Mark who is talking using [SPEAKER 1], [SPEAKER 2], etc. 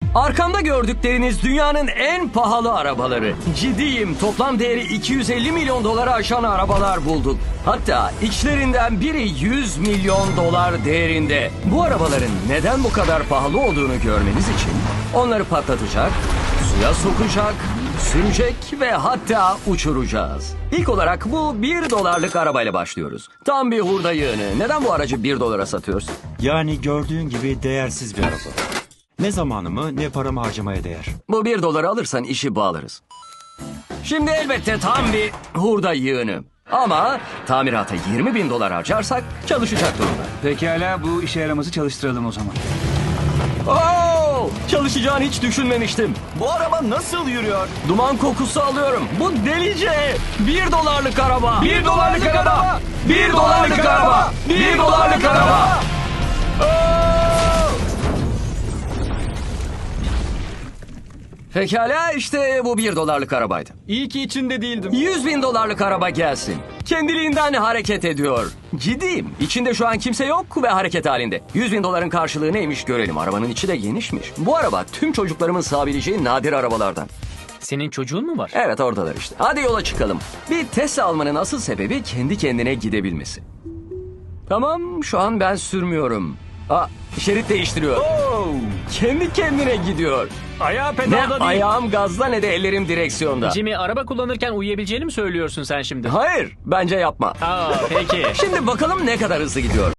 [SPEAKER 1] Arkamda gördükleriniz dünyanın en pahalı arabaları. Ciddiyim, toplam değeri 250 milyon dolara aşan arabalar bulduk. Hatta içlerinden biri 100 milyon dolar değerinde. Bu arabaların neden bu kadar pahalı olduğunu görmeniz için onları patlatacak, suya sokacak, sürecek ve hatta uçuracağız. İlk olarak bu 1 dolarlık arabayla başlıyoruz. Tam bir hurda yığını. Neden bu aracı 1 dolara satıyoruz?
[SPEAKER 2] Yani gördüğün gibi değersiz bir araba. Ne zamanımı ne paramı harcamaya değer.
[SPEAKER 1] Bu 1 doları alırsan işi bağlarız. Şimdi elbette tam bir hurda yığını. Ama tamirata 20 bin dolar harcarsak çalışacak durumda.
[SPEAKER 3] Pekala, bu işe yaramazı çalıştıralım o zaman.
[SPEAKER 1] Oo, çalışacağını hiç düşünmemiştim.
[SPEAKER 4] Bu araba nasıl yürüyor?
[SPEAKER 1] Duman kokusu alıyorum. Bu delice. 1 dolarlık araba.
[SPEAKER 3] 1 dolarlık araba!
[SPEAKER 1] 1 dolarlık araba. 1 dolarlık araba. Pekala, işte bu 1 dolarlık arabaydı.
[SPEAKER 4] İyi ki içinde değildim.
[SPEAKER 1] 100 bin dolarlık araba gelsin. Kendiliğinden hareket ediyor. Ciddiyim. İçinde şu an kimse yok ve hareket halinde. 100 bin doların karşılığı neymiş görelim. Arabanın içi de genişmiş. Bu araba tüm çocuklarımın sığabileceği nadir arabalardan.
[SPEAKER 5] Senin çocuğun mu var?
[SPEAKER 1] Evet, oradalar işte. Hadi yola çıkalım. Bir Tesla almanın asıl sebebi kendi kendine gidebilmesi. Tamam, şu an ben sürmüyorum. Şerit değiştiriyor. Kendi kendine gidiyor.
[SPEAKER 3] Ayağı
[SPEAKER 1] Ne
[SPEAKER 3] pedalda değil.
[SPEAKER 1] ayağım gazda ne de ellerim direksiyonda.
[SPEAKER 5] Jimmy, araba kullanırken uyuyabileceğini mi söylüyorsun sen şimdi?
[SPEAKER 1] Hayır, bence yapma.
[SPEAKER 5] Aa, peki.
[SPEAKER 1] Şimdi bakalım ne kadar hızlı gidiyor.